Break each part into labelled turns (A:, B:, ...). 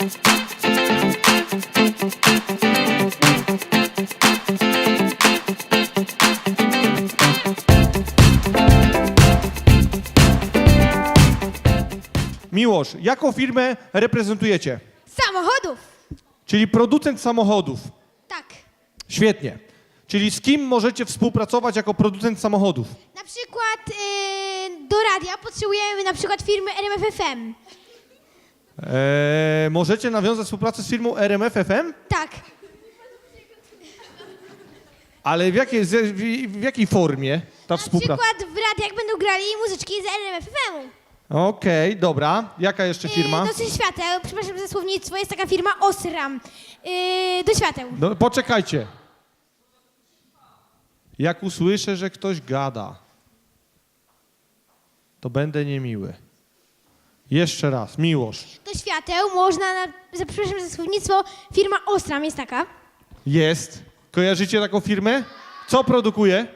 A: Miłosz, jaką firmę reprezentujecie?
B: Samochodów.
A: Czyli producent samochodów.
B: Tak.
A: Świetnie. Czyli z kim możecie współpracować jako producent samochodów?
B: Na przykład do radia potrzebujemy na przykład firmy RMF FM.
A: Możecie nawiązać współpracę z firmą RMF FM?
B: Tak.
A: Ale w jakiej formie ta
B: Na
A: współpraca?
B: przykład w radiach będą grali muzyczki z RMF FM-u.
A: Okej, dobra. Jaka jeszcze firma?
B: Do świateł, przepraszam za słownictwo, jest taka firma Osram. Do świateł.
A: No, poczekajcie. Jak usłyszę, że ktoś gada, to będę niemiły. Jeszcze raz, Miłosz.
B: Do świateł można, przepraszam za słownictwo, firma Osram jest taka.
A: Jest. Kojarzycie taką firmę? Co produkuje?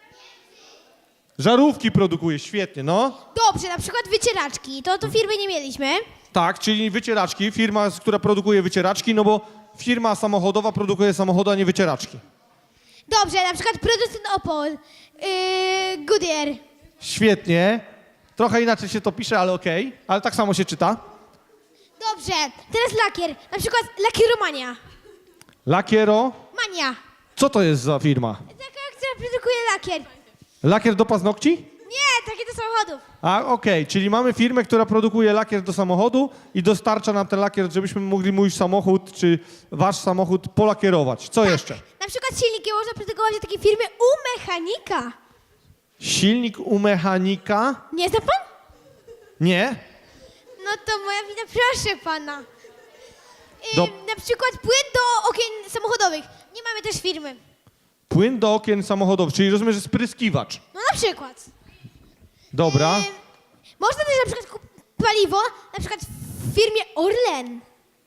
A: Żarówki produkuje, świetnie, no.
B: Dobrze, na przykład wycieraczki, to firmy nie mieliśmy.
A: Tak, czyli wycieraczki, firma, która produkuje wycieraczki, no bo firma samochodowa produkuje samochody, a nie wycieraczki.
B: Dobrze, na przykład producent Opel, Goodyear.
A: Świetnie. Trochę inaczej się to pisze, ale okej. Ale tak samo się czyta.
B: Dobrze, teraz lakier, na przykład Lakieromania.
A: Lakiero.
B: Mania.
A: Co to jest za firma?
B: Taka, która produkuje lakier.
A: Lakier do paznokci?
B: Nie, takie do samochodów.
A: A, okej, czyli mamy firmę, która produkuje lakier do samochodu i dostarcza nam ten lakier, żebyśmy mogli mój samochód czy wasz samochód polakierować. Co jeszcze?
B: Na przykład silniki można produkować w takiej firmy u mechanika.
A: Silnik u mechanika?
B: Nie zna pan?
A: Nie.
B: No to moja wina, proszę pana.
A: Do-
B: Na przykład płyn do okien samochodowych. Nie mamy też firmy.
A: Płyn do okien samochodowych, czyli rozumiem, że spryskiwacz.
B: No na przykład.
A: Dobra.
B: Można też na przykład kupić paliwo, na przykład w firmie Orlen.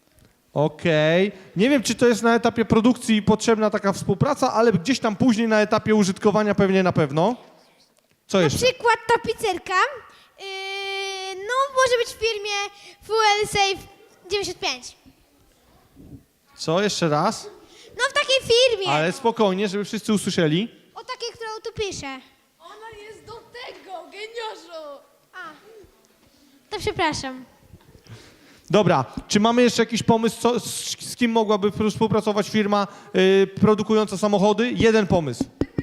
A: Okej. Nie wiem, czy to jest na etapie produkcji potrzebna taka współpraca, ale gdzieś tam później na etapie użytkowania pewnie na pewno. Co
B: Na
A: jeszcze?
B: przykład tapicerka. No może być w firmie Fuel Safe 95.
A: Co? Jeszcze raz?
B: No w takiej firmie.
A: Ale spokojnie, żeby wszyscy usłyszeli.
B: O takiej, którą tu piszę.
C: Ona jest do tego, geniuszu!
B: A, to przepraszam.
A: Dobra, czy mamy jeszcze jakiś pomysł, z kim mogłaby współpracować firma produkująca samochody? Jeden pomysł.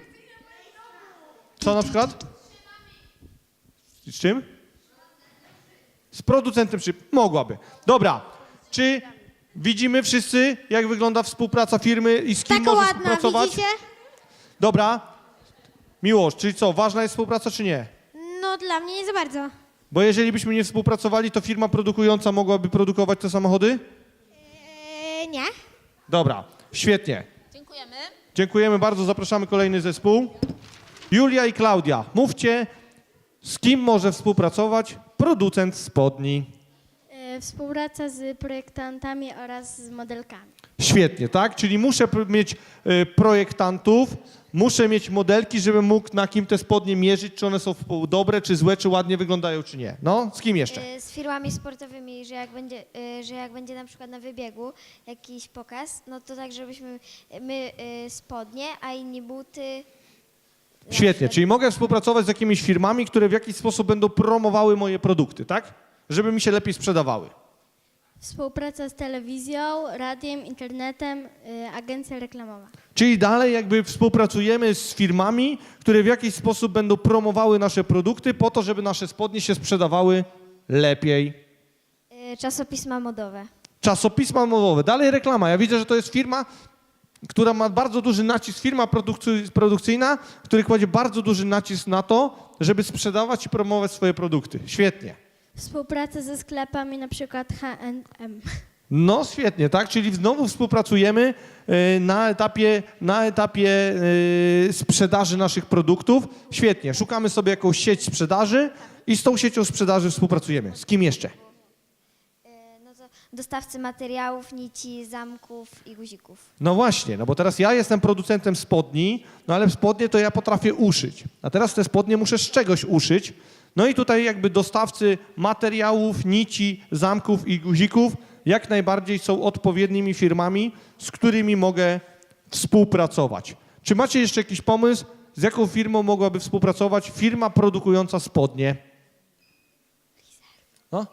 A: Co na przykład? Z czym? Z producentem szyb. Mogłaby. Dobra, czy widzimy wszyscy, jak wygląda współpraca firmy i z kim
B: Taka
A: może
B: ładna,
A: współpracować?
B: widzicie?
A: Dobra. Miłosz, czyli co, ważna jest współpraca czy nie?
B: No dla mnie nie za bardzo.
A: Bo jeżeli byśmy nie współpracowali, to firma produkująca mogłaby produkować te samochody?
B: Nie.
A: Dobra, świetnie.
C: Dziękujemy.
A: Dziękujemy bardzo, zapraszamy kolejny zespół. Julia i Klaudia, mówcie, z kim może współpracować producent spodni?
D: Współpraca z projektantami oraz z modelkami.
A: Świetnie, tak? Czyli muszę mieć projektantów, muszę mieć modelki, żebym mógł na kim te spodnie mierzyć, czy one są dobre, czy złe, czy ładnie wyglądają, czy nie. No, z kim jeszcze?
D: Z firmami sportowymi, że jak będzie na przykład na wybiegu jakiś pokaz, no to tak, żebyśmy my spodnie, a inni buty.
A: Świetnie, czyli mogę współpracować z jakimiś firmami, które w jakiś sposób będą promowały moje produkty, tak? Żeby mi się lepiej sprzedawały.
D: Współpraca z telewizją, radiem, internetem, agencja reklamowa.
A: Czyli dalej jakby współpracujemy z firmami, które w jakiś sposób będą promowały nasze produkty po to, żeby nasze spodnie się sprzedawały lepiej.
D: Czasopisma modowe.
A: Czasopisma modowe, dalej reklama. Ja widzę, że to jest firma, która ma bardzo duży nacisk, firma produkcyjna, która kładzie bardzo duży nacisk na to, żeby sprzedawać i promować swoje produkty. Świetnie.
D: Współpraca ze sklepami, na przykład H&M.
A: No świetnie, tak? Czyli znowu współpracujemy na etapie sprzedaży naszych produktów. Świetnie, szukamy sobie jakąś sieć sprzedaży i z tą siecią sprzedaży współpracujemy. Z kim jeszcze?
D: No to dostawcy materiałów, nici, zamków i guzików.
A: No właśnie, no bo teraz ja jestem producentem spodni, no ale spodnie to ja potrafię uszyć. A teraz te spodnie muszę z czegoś uszyć. No i tutaj jakby dostawcy materiałów, nici, zamków i guzików jak najbardziej są odpowiednimi firmami, z którymi mogę współpracować. Czy macie jeszcze jakiś pomysł, z jaką firmą mogłaby współpracować firma produkująca spodnie? No?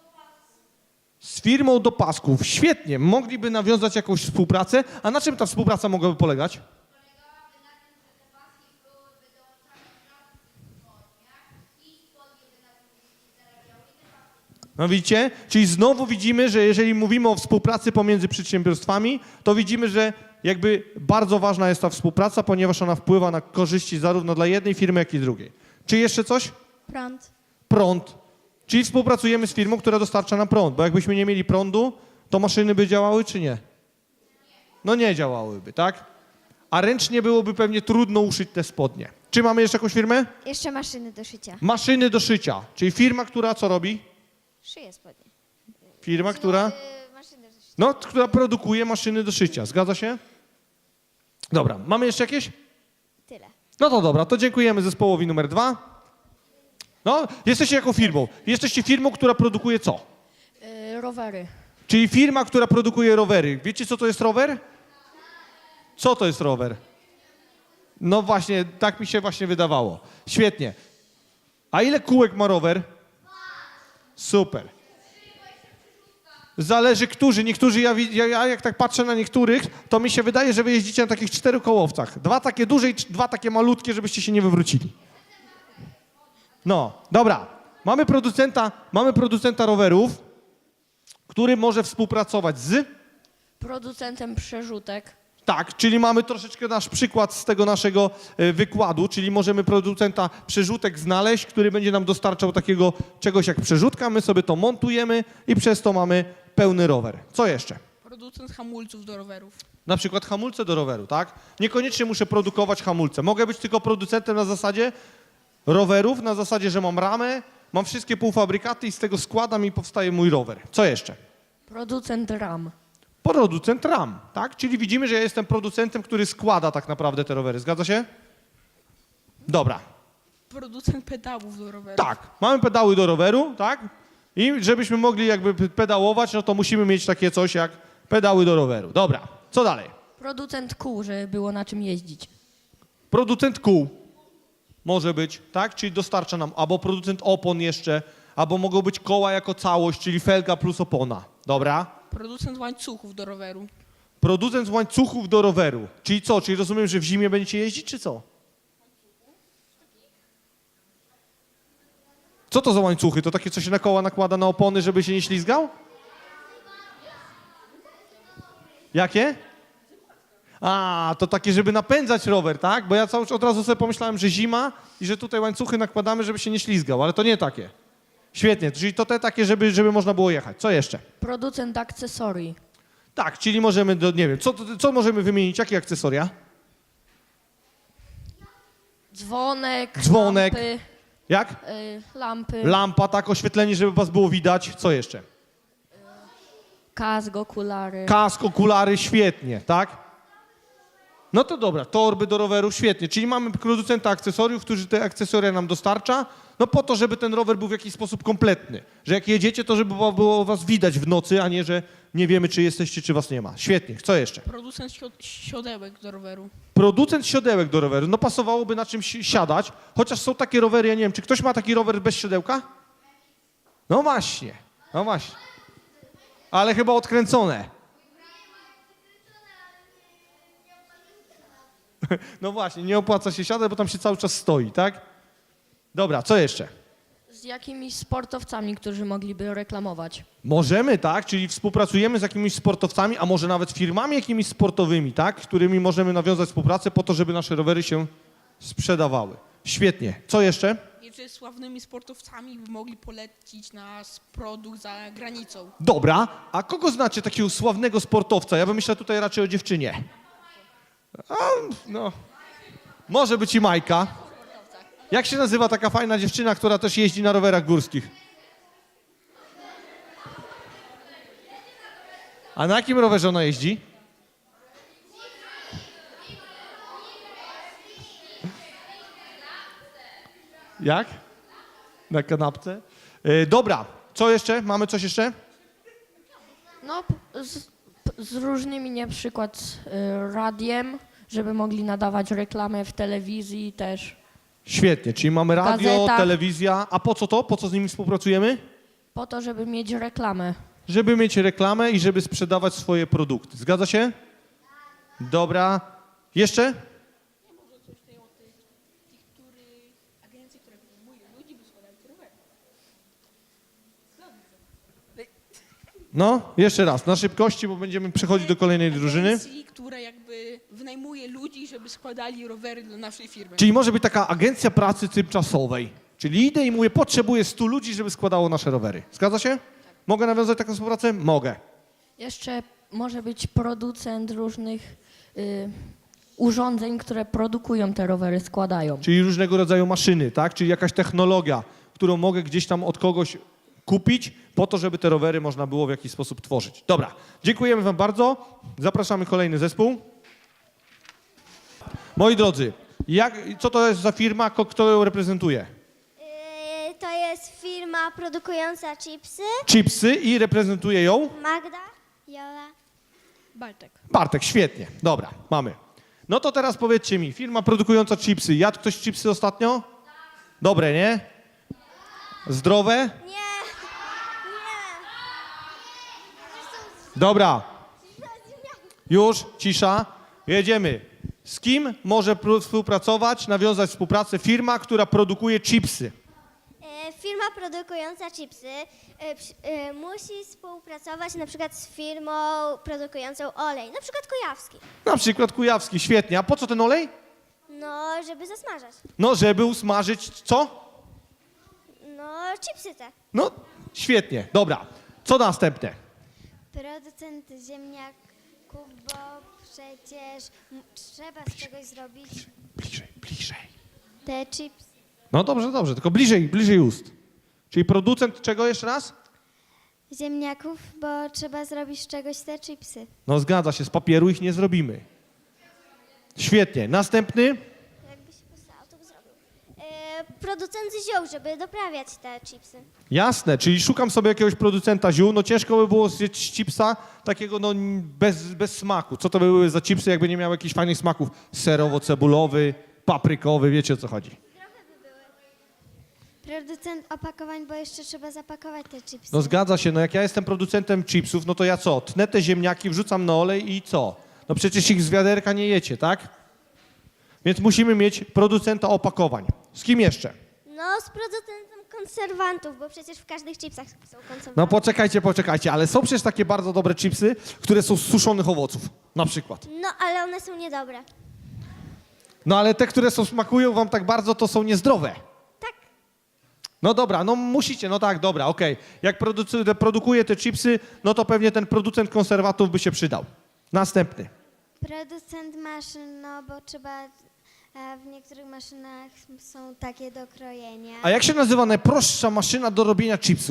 A: Z firmą do pasków. Świetnie. Mogliby nawiązać jakąś współpracę. A na czym ta współpraca mogłaby polegać? No widzicie? Czyli znowu widzimy, że jeżeli mówimy o współpracy pomiędzy przedsiębiorstwami, to widzimy, że jakby bardzo ważna jest ta współpraca, ponieważ ona wpływa na korzyści zarówno dla jednej firmy, jak i drugiej. Czy jeszcze coś?
B: Prąd.
A: Prąd. Czyli współpracujemy z firmą, która dostarcza nam prąd, bo jakbyśmy nie mieli prądu, to maszyny by działały, czy nie? No nie działałyby, tak? A ręcznie byłoby pewnie trudno uszyć te spodnie. Czy mamy jeszcze jakąś firmę?
D: Jeszcze maszyny do szycia.
A: Maszyny do szycia, czyli firma, która co robi?
D: Szyję spodnie.
A: Firma, która...
D: Maszyny do szycia.
A: No, która produkuje maszyny do szycia. Zgadza się? Dobra, mamy jeszcze jakieś?
D: Tyle.
A: No to dobra, to dziękujemy zespołowi numer 2. No, jesteście jaką firmą? Jesteście firmą, która produkuje co?
C: Rowery.
A: Czyli firma, która produkuje rowery. Wiecie, co to jest rower? Co to jest rower? No właśnie, tak mi się właśnie wydawało. Świetnie. A ile kółek ma rower? Super. Zależy którzy. Niektórzy, ja jak tak patrzę na niektórych, to mi się wydaje, że wy jeździcie na takich 4 kołowcach. 2 takie duże i 2 takie malutkie, żebyście się nie wywrócili. No, dobra. Mamy producenta rowerów, który może współpracować z...
C: Producentem przerzutek.
A: Tak, czyli mamy troszeczkę nasz przykład z tego naszego wykładu, czyli możemy producenta przerzutek znaleźć, który będzie nam dostarczał takiego czegoś jak przerzutka, my sobie to montujemy i przez to mamy pełny rower. Co jeszcze?
E: Producent hamulców do rowerów.
A: Na przykład hamulce do roweru, tak? Niekoniecznie muszę produkować hamulce. Mogę być tylko producentem na zasadzie rowerów, na zasadzie, że mam ramę, mam wszystkie półfabrykaty i z tego składam i powstaje mój rower. Co jeszcze?
C: Producent ram.
A: Producent ram, tak? Czyli widzimy, że ja jestem producentem, który składa tak naprawdę te rowery. Zgadza się? Dobra.
E: Producent pedałów do rowerów.
A: Tak, mamy pedały do roweru, tak? I żebyśmy mogli jakby pedałować, no to musimy mieć takie coś jak pedały do roweru. Dobra, co dalej?
C: Producent kół, żeby było na czym jeździć.
A: Producent kół może być, tak? Czyli dostarcza nam albo producent opon jeszcze, albo mogą być koła jako całość, czyli felga plus opona. Dobra?
E: Producent łańcuchów do roweru.
A: Producent łańcuchów do roweru. Czyli co? Czyli rozumiem, że w zimie będziecie jeździć, czy co? Co to za łańcuchy? To takie, co się na koła nakłada na opony, żeby się nie ślizgał? Jakie? A, to takie, żeby napędzać rower, tak? Bo ja od razu sobie pomyślałem, że zima i że tutaj łańcuchy nakładamy, żeby się nie ślizgał, ale to nie takie. Świetnie, czyli to te takie, żeby można było jechać. Co jeszcze?
C: Producent akcesorii.
A: Tak, czyli możemy, nie wiem, co możemy wymienić? Jakie akcesoria?
C: Dzwonek.
A: Dzwonek.
C: Lampy.
A: Jak?
C: Lampy.
A: Lampa, tak, oświetlenie, żeby was było widać. Co jeszcze?
C: Kask, okulary.
A: Kask, okulary, świetnie, tak? No to dobra, torby do roweru, świetnie. Czyli mamy producenta akcesoriów, który te akcesoria nam dostarcza, no po to, żeby ten rower był w jakiś sposób kompletny. Że jak jedziecie, to żeby było was widać w nocy, a nie, że nie wiemy, czy jesteście, czy was nie ma. Świetnie, co jeszcze?
E: Producent siodełek do roweru.
A: Producent siodełek do roweru. No pasowałoby na czymś siadać, chociaż są takie rowery, ja nie wiem, czy ktoś ma taki rower bez siodełka? No właśnie, no właśnie. Ale chyba odkręcone. No właśnie, nie opłaca się siadać, bo tam się cały czas stoi, tak? Dobra, co jeszcze?
C: Z jakimiś sportowcami, którzy mogliby reklamować.
A: Możemy, tak? Czyli współpracujemy z jakimiś sportowcami, a może nawet firmami jakimiś sportowymi, tak? Z którymi możemy nawiązać współpracę po to, żeby nasze rowery się sprzedawały. Świetnie. Co jeszcze?
E: Jeszcze sławnymi sportowcami by mogli polecić nasz produkt za granicą.
A: Dobra, a kogo znacie takiego sławnego sportowca? Ja bym myślał tutaj raczej o dziewczynie. A, no, może być i Majka. Jak się nazywa taka fajna dziewczyna, która też jeździ na rowerach górskich? A na jakim rowerze ona jeździ? Jak? Na kanapce? Dobra, co jeszcze? Mamy coś jeszcze?
C: No, z różnymi, na przykład radiem, żeby mogli nadawać reklamę w telewizji też.
A: Świetnie, czyli mamy radio,
C: Gazeta.
A: telewizja. A po co to? Po co z nimi współpracujemy?
C: Po to, żeby mieć reklamę.
A: Żeby mieć reklamę i żeby sprzedawać swoje produkty. Zgadza się? Dobra. Jeszcze?
E: Agencji, które wyjmują ludzi, by składali te rowery.
A: No, jeszcze raz, na szybkości, bo będziemy przechodzić do kolejnej drużyny.
E: Agencji, które jakby wynajmuje ludzi, żeby składali rowery dla naszej firmy.
A: Czyli może być taka agencja pracy tymczasowej. Czyli idę i mówię, potrzebuję 100 ludzi, żeby składało nasze rowery. Zgadza się? Mogę nawiązać taką współpracę? Mogę.
C: Jeszcze może być producent różnych urządzeń, które produkują te rowery, składają.
A: Czyli różnego rodzaju maszyny, tak? Czyli jakaś technologia, którą mogę gdzieś tam od kogoś kupić po to, żeby te rowery można było w jakiś sposób tworzyć. Dobra, dziękujemy wam bardzo. Zapraszamy kolejny zespół. Moi drodzy, co to jest za firma, kto ją reprezentuje?
B: To jest firma produkująca chipsy.
A: Chipsy i reprezentuje ją
B: Magda, Jola.
C: Bartek.
A: Bartek, świetnie. Dobra, mamy. No to teraz powiedzcie mi, firma produkująca chipsy, jadł ktoś chipsy ostatnio? Dobre, nie? Zdrowe?
B: Nie.
A: Dobra. Już, cisza. Jedziemy. Z kim może współpracować, nawiązać współpracę firma, która produkuje chipsy?
B: Firma produkująca chipsy musi współpracować na przykład z firmą produkującą olej, na przykład Kujawski.
A: Na przykład Kujawski, świetnie. A po co ten olej?
B: No, żeby zasmażać.
A: No, żeby usmażyć co?
B: No, chipsy te.
A: No, świetnie. Dobra. Co następne?
D: Producent ziemniaków, bo przecież trzeba z czegoś zrobić
A: Bliżej.
D: te chips.
A: No dobrze, tylko bliżej ust. Czyli producent czego jeszcze raz?
D: Ziemniaków, bo trzeba zrobić z czegoś te chipsy.
A: No zgadza się, z papieru ich nie zrobimy. Świetnie. Następny?
B: Jakby się postało, to by zrobił. Producent ziół, żeby doprawiać te chipsy.
A: Jasne, czyli szukam sobie jakiegoś producenta ziół. No ciężko by było zjeść chipsa takiego no bez smaku. Co to by były za chipsy, jakby nie miały jakichś fajnych smaków? Serowo-cebulowy, paprykowy, wiecie o co chodzi.
D: Producent opakowań, bo jeszcze trzeba zapakować te chipsy.
A: No zgadza się, no jak ja jestem producentem chipsów, no to ja co? Tnę te ziemniaki, wrzucam na olej i co? No przecież ich z wiaderka nie jecie, tak? Więc musimy mieć producenta opakowań. Z kim jeszcze?
B: No, z producentem konserwantów, bo przecież w każdych chipsach są konserwanty.
A: No poczekajcie, ale są przecież takie bardzo dobre chipsy, które są z suszonych owoców, na przykład.
B: No, ale one są niedobre.
A: No ale te, które smakują wam tak bardzo, to są niezdrowe.
B: Tak.
A: No dobra, no musicie, no tak, dobra, okej. Jak produkuje te chipsy, no to pewnie ten producent konserwatów by się przydał. Następny.
D: Producent maszyn, no bo trzeba, w niektórych maszynach są takie do krojenia.
A: A jak się nazywa najprostsza maszyna do robienia chipsów?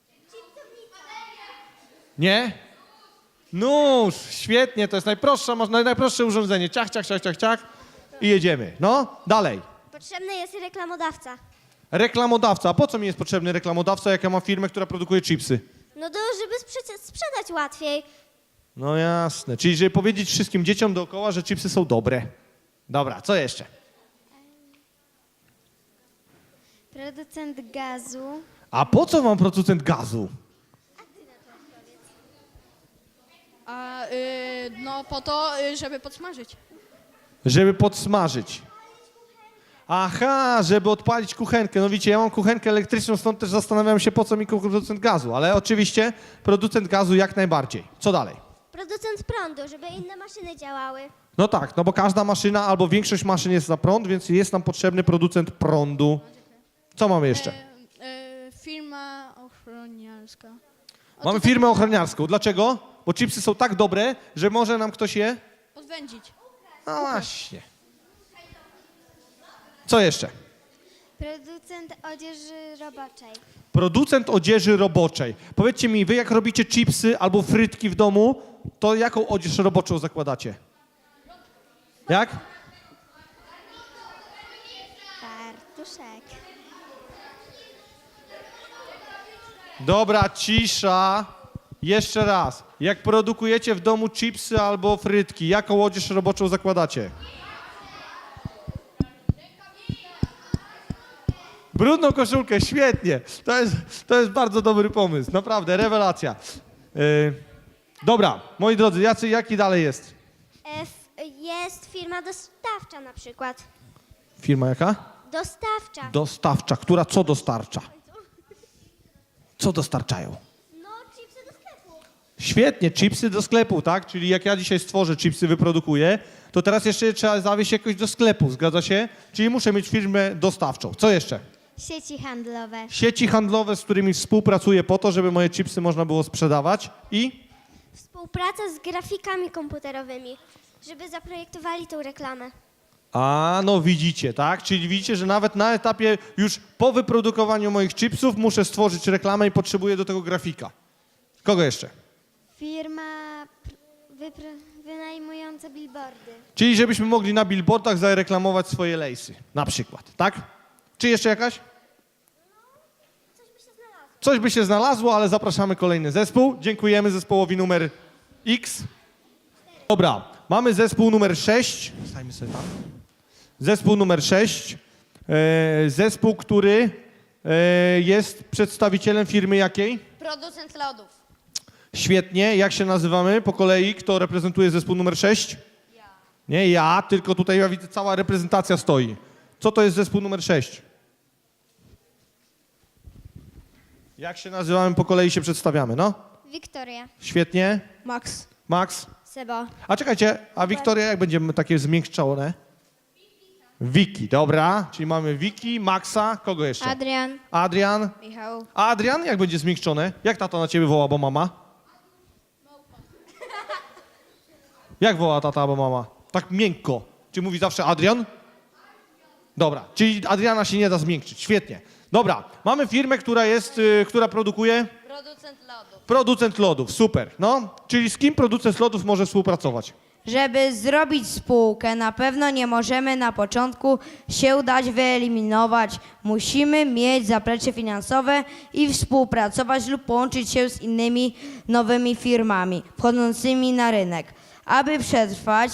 A: Nie? Nóż, świetnie, to jest najprostsza, najprostsze urządzenie. Ciach i jedziemy. No, dalej.
B: Potrzebny jest reklamodawca.
A: Reklamodawca. A po co mi jest potrzebny reklamodawca, jak ja mam firmę, która produkuje chipsy?
B: No to, żeby sprzedać łatwiej.
A: No jasne. Czyli żeby powiedzieć wszystkim dzieciom dookoła, że chipsy są dobre. Dobra, co jeszcze?
D: Producent gazu.
A: A po co wam producent gazu?
E: A no po to, żeby podsmażyć.
A: Żeby podsmażyć. Aha, żeby odpalić kuchenkę. No widzicie, ja mam kuchenkę elektryczną, stąd też zastanawiam się, po co mi producent gazu. Ale oczywiście producent gazu jak najbardziej. Co dalej?
B: Producent prądu, żeby inne maszyny działały.
A: No tak, no bo każda maszyna albo większość maszyn jest na prąd, więc jest nam potrzebny producent prądu. Co mamy jeszcze?
E: Firma ochroniarska.
A: Mamy firmę ochroniarską. Dlaczego? Bo chipsy są tak dobre, że może nam ktoś je...
E: Odwędzić.
A: No właśnie. Co jeszcze?
D: Producent odzieży roboczej.
A: Producent odzieży roboczej. Powiedzcie mi, wy jak robicie chipsy albo frytki w domu, to jaką odzież roboczą zakładacie? Jak?
D: Fartuszek.
A: Dobra, cisza. Jeszcze raz. Jak produkujecie w domu chipsy albo frytki, jaką odzież roboczą zakładacie? Brudną koszulkę, świetnie. To jest bardzo dobry pomysł, naprawdę, rewelacja. Dobra, moi drodzy, jaki dalej jest?
B: Jest firma dostawcza na przykład.
A: Firma jaka?
B: Dostawcza.
A: Dostawcza. Która co dostarcza? Co dostarczają?
B: No, chipsy do sklepu.
A: Świetnie, chipsy do sklepu, tak? Czyli jak ja dzisiaj stworzę chipsy, wyprodukuję, to teraz jeszcze je trzeba zawieźć jakoś do sklepu, zgadza się? Czyli muszę mieć firmę dostawczą. Co jeszcze?
D: Sieci handlowe.
A: Sieci handlowe, z którymi współpracuję po to, żeby moje chipsy można było sprzedawać i
B: Współpraca z grafikami komputerowymi, żeby zaprojektowali tą reklamę.
A: no widzicie, tak? Czyli widzicie, że nawet na etapie już po wyprodukowaniu moich chipsów muszę stworzyć reklamę i potrzebuję do tego grafika. Kogo jeszcze?
D: Firma wynajmująca billboardy.
A: Czyli żebyśmy mogli na billboardach zareklamować swoje lejsy, na przykład, tak? Czy jeszcze jakaś? Coś by się znalazło, ale zapraszamy kolejny zespół. Dziękujemy zespołowi numer X. Dobra, mamy zespół numer 6. Stajmy sobie tam. Zespół numer 6. Zespół, który jest przedstawicielem firmy jakiej?
C: Producent lodów.
A: Świetnie. Jak się nazywamy po kolei? Kto reprezentuje zespół numer 6? Ja. Nie ja, tylko tutaj ja widzę, cała reprezentacja stoi. Co to jest zespół numer 6? Jak się nazywamy po kolei się przedstawiamy, no?
D: Wiktoria.
A: Świetnie.
E: Max.
A: Max?
D: Sebo.
A: A czekajcie, a Wiktoria jak będziemy takie zmiękczone? Wiki, dobra. Czyli mamy Wiki, Maxa, kogo jeszcze?
D: Adrian.
A: Adrian.
D: Michał.
A: A Adrian jak będzie zmiękczone? Jak tata na ciebie woła, bo mama? Jak woła tata, bo mama? Tak miękko. Czy mówi zawsze Adrian? Dobra, czyli Adriana się nie da zmiękczyć. Świetnie. Dobra, mamy firmę, która produkuje?
C: Producent lodów.
A: Producent lodów, super. No, czyli z kim producent lodów może współpracować?
F: Żeby zrobić spółkę, na pewno nie możemy na początku się dać wyeliminować. Musimy mieć zaplecze finansowe i współpracować lub połączyć się z innymi nowymi firmami wchodzącymi na rynek. Aby przetrwać,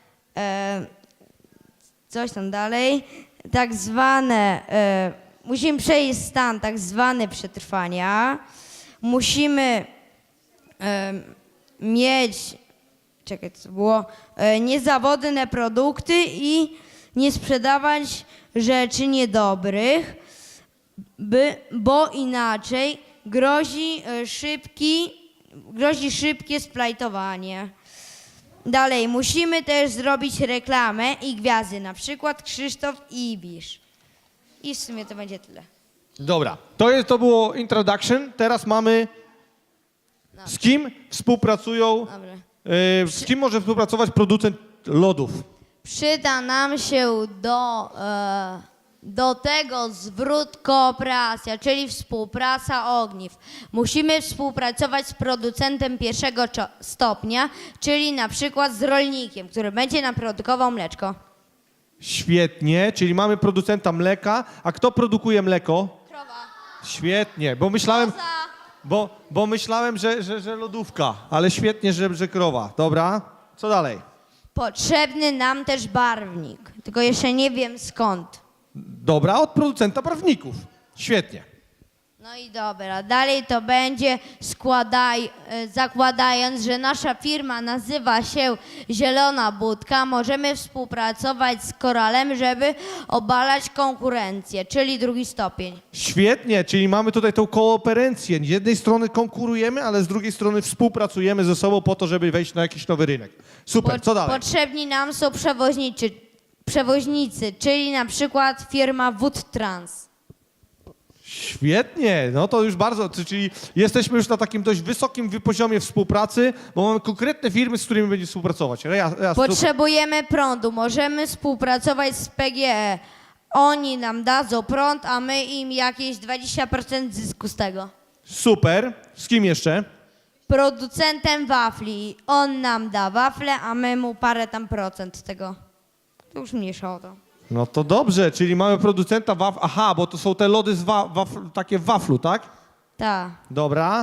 F: coś tam dalej, tak zwane, musimy przejść stan tak zwany przetrwania. Musimy mieć, czekaj, co było, niezawodne produkty i nie sprzedawać rzeczy niedobrych, bo inaczej grozi szybkie splajtowanie. Dalej, musimy też zrobić reklamę i gwiazdy, na przykład Krzysztof i Ibisz. I w sumie to będzie tyle.
A: Dobra, to było introduction. Teraz mamy z kim współpracują,
F: Dobra.
A: z kim może współpracować producent lodów?
F: Przyda nam się do tego zwrot kooperacja, czyli współpraca ogniw. Musimy współpracować z producentem pierwszego stopnia, czyli na przykład z rolnikiem, który będzie nam produkował mleczko.
A: Świetnie, czyli mamy producenta mleka, a kto produkuje mleko?
C: Krowa.
A: Świetnie, bo myślałem, że lodówka, ale świetnie, że krowa. Dobra, co dalej?
F: Potrzebny nam też barwnik, tylko jeszcze nie wiem skąd.
A: Dobra, od producenta prawników. Świetnie.
F: No i dobra, dalej to będzie zakładając, że nasza firma nazywa się Zielona Budka, możemy współpracować z Koralem, żeby obalać konkurencję, czyli drugi stopień.
A: Świetnie, czyli mamy tutaj tą kooperencję. Z jednej strony konkurujemy, ale z drugiej strony współpracujemy ze sobą po to, żeby wejść na jakiś nowy rynek. Super, co dalej?
F: Potrzebni nam są przewoźnicy, czyli na przykład firma Wood Trans.
A: Świetnie, no to już bardzo, czyli jesteśmy już na takim dość wysokim poziomie współpracy, bo mamy konkretne firmy, z którymi będziemy współpracować.
F: Potrzebujemy prądu, możemy współpracować z PGE. Oni nam dadzą prąd, a my im jakieś 20% zysku z tego.
A: Super, z kim jeszcze?
F: Producentem wafli. On nam da wafle, a my mu parę tam procent tego. To już mniejsza o to.
A: No to dobrze, czyli mamy producenta waflu. Aha, bo to są te lody takie w waflu, tak?
F: Tak.
A: Dobra.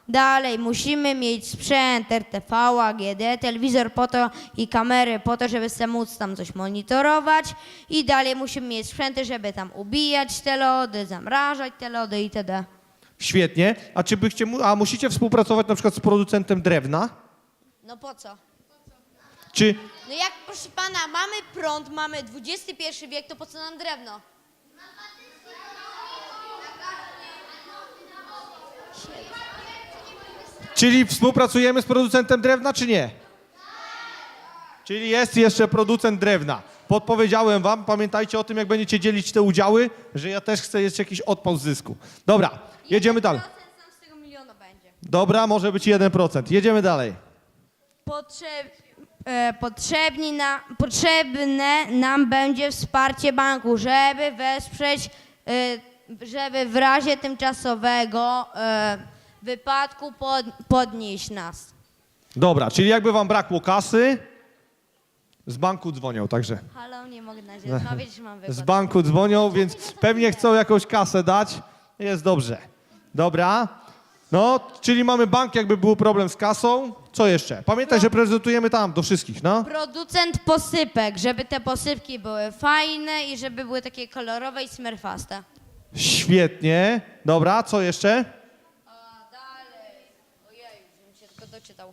F: Dalej musimy mieć sprzęt RTV, AGD, telewizor po to i kamery po to, żeby sobie móc tam coś monitorować. I dalej musimy mieć sprzęty, żeby tam ubijać te lody, zamrażać te lody itd.
A: Świetnie. A musicie współpracować na przykład z producentem drewna?
F: No po co?
A: Czy
F: No jak, proszę pana, mamy prąd, mamy XXI wiek, to po co nam drewno?
A: Czyli współpracujemy z producentem drewna, czy nie? Czyli jest jeszcze producent drewna. Podpowiedziałem wam, pamiętajcie o tym, jak będziecie dzielić te udziały, że ja też chcę jeszcze jakiś odpał z zysku. Dobra, jedziemy dalej.
F: 1% nam z tego miliona będzie.
A: Dobra, może być 1%. Jedziemy dalej.
F: Potrzebne nam będzie wsparcie banku, żeby wesprzeć, żeby w razie tymczasowego wypadku podnieść nas.
A: Dobra, czyli jakby wam brakło kasy, z banku dzwonią, także
F: Halo, nie mogę na razie rozmawiać, że mam
A: z
F: wypadek.
A: banku dzwonią, więc pewnie chcą jakąś kasę dać. Jest dobrze. Dobra. No, czyli mamy bank, jakby był problem z kasą. Co jeszcze? Pamiętaj, że prezentujemy tam do wszystkich, no.
F: Producent posypek, żeby te posypki były fajne i żeby były takie kolorowe i smerfaste.
A: Świetnie. Dobra, co jeszcze?
F: Się tylko doczytał.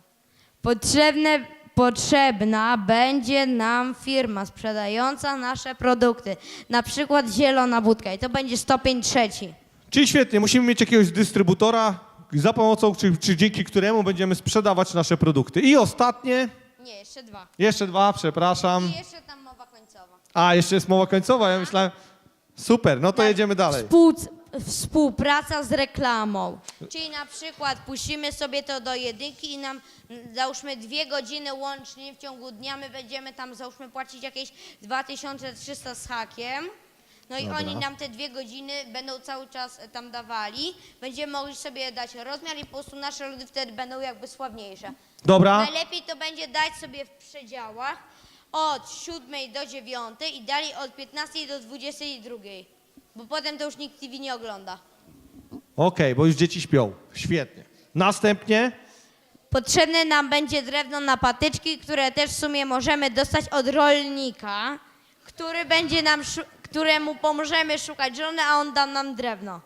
F: Potrzebna będzie nam firma sprzedająca nasze produkty, na przykład Zielona Budka i to będzie stopień 3.
A: Czyli świetnie, musimy mieć jakiegoś dystrybutora, za pomocą, czy dzięki któremu będziemy sprzedawać nasze produkty. I ostatnie,
F: Nie, jeszcze 2.
A: jeszcze 2, przepraszam.
F: I jeszcze tam mowa końcowa.
A: A, jeszcze jest mowa końcowa, ja myślałem, super, no to jedziemy dalej.
F: Współpraca z reklamą. Czyli na przykład puścimy sobie to do jedynki i nam załóżmy 2 godziny łącznie w ciągu dnia, my będziemy tam załóżmy płacić jakieś 2300 z hakiem. No i oni nam te 2 godziny będą cały czas tam dawali. Będziemy mogli sobie dać rozmiar i po prostu nasze lody wtedy będą jakby sławniejsze.
A: Dobra,
F: Najlepiej to będzie dać sobie w przedziałach od 7 do 9 i dalej od 15 do 22. Bo potem to już nikt TV nie ogląda.
A: okej, bo już dzieci śpią. Świetnie. Następnie,
F: Potrzebne nam będzie drewno na patyczki, które też w sumie możemy dostać od rolnika, który będzie nam, któremu pomożemy szukać żony, a on da nam drewno.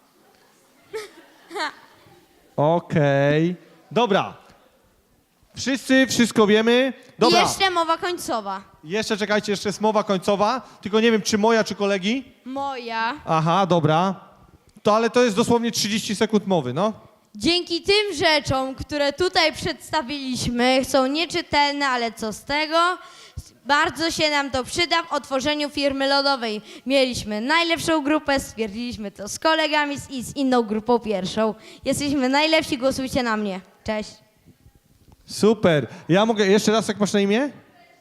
A: okej. Dobra. Wszyscy wszystko wiemy. Dobra,
F: I jeszcze mowa końcowa.
A: jeszcze czekajcie, jeszcze jest mowa końcowa, tylko nie wiem, czy moja, czy kolegi.
F: Moja.
A: Aha, dobra. Ale to jest dosłownie 30 sekund mowy, no.
F: Dzięki tym rzeczom, które tutaj przedstawiliśmy, są nieczytelne, ale co z tego? Bardzo się nam to przyda w otworzeniu firmy lodowej. Mieliśmy najlepszą grupę, stwierdziliśmy to z kolegami i z inną grupą pierwszą. Jesteśmy najlepsi, głosujcie na mnie. Cześć.
A: Super. Ja mogę, jeszcze raz, jak masz na imię?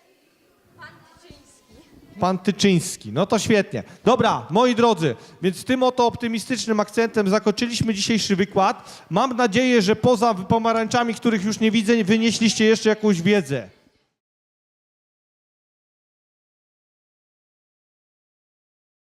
A: Pan Tyczyński. No to świetnie. Dobra, moi drodzy, więc tym oto optymistycznym akcentem zakończyliśmy dzisiejszy wykład. Mam nadzieję, że poza pomarańczami, których już nie widzę, wynieśliście jeszcze jakąś wiedzę.